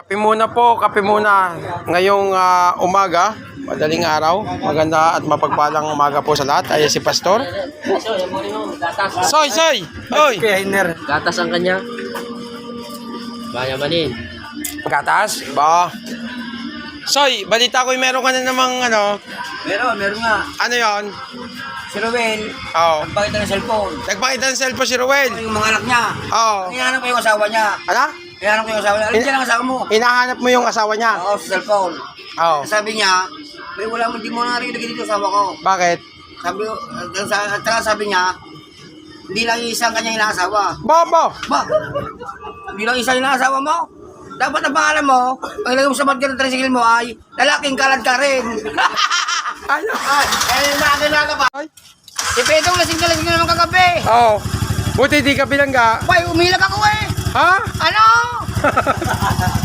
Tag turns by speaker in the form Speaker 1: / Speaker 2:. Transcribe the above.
Speaker 1: Kape muna po, kape muna. Ngayong umaga, madaling araw. Maganda at mapagpalang umaga po sa lahat. Ayan si Pastor. Soy, soy! Oy!
Speaker 2: Gatas ang kanya. Bayamanin.
Speaker 1: Gatas? Ba? Soy, balita ko meron ka na namang ano.
Speaker 3: Meron nga.
Speaker 1: Ano yon?
Speaker 3: Si Ruel,
Speaker 1: Oo.
Speaker 3: nagpakita ng cellphone.
Speaker 1: Nagpakita ng cellphone si Ruel.
Speaker 3: Yung mga anak niya.
Speaker 1: Oo.
Speaker 3: Hinahanap ko yung asawa niya.
Speaker 1: Ano?
Speaker 3: Hinahanap ko yung asawa niya. Alin dyan ang asawa mo?
Speaker 1: Hinahanap mo yung asawa niya?
Speaker 3: Oo, sa cellphone.
Speaker 1: Oo.
Speaker 3: Sabi niya, may wala mo, di mo narinig dito asawa ko.
Speaker 1: Bakit?
Speaker 3: Sabi niya, hindi lang isang kanyang inaasawa.
Speaker 1: Bobo!
Speaker 3: Ba? Hindi lang isang inaasawa mo? Dapat ang pangalan mo, pag ilagay mo sa bag ng tricycle mo ay, lalaking kalad ka rin.
Speaker 1: Ano?
Speaker 3: Ay, nakakilala ka ba?
Speaker 1: Ay.
Speaker 3: Si Pedro, lasing na naman kagabi.
Speaker 1: Oo. Buti di ka bilangga.
Speaker 3: Bay, umilag ako eh.
Speaker 1: Ha?
Speaker 3: Ano?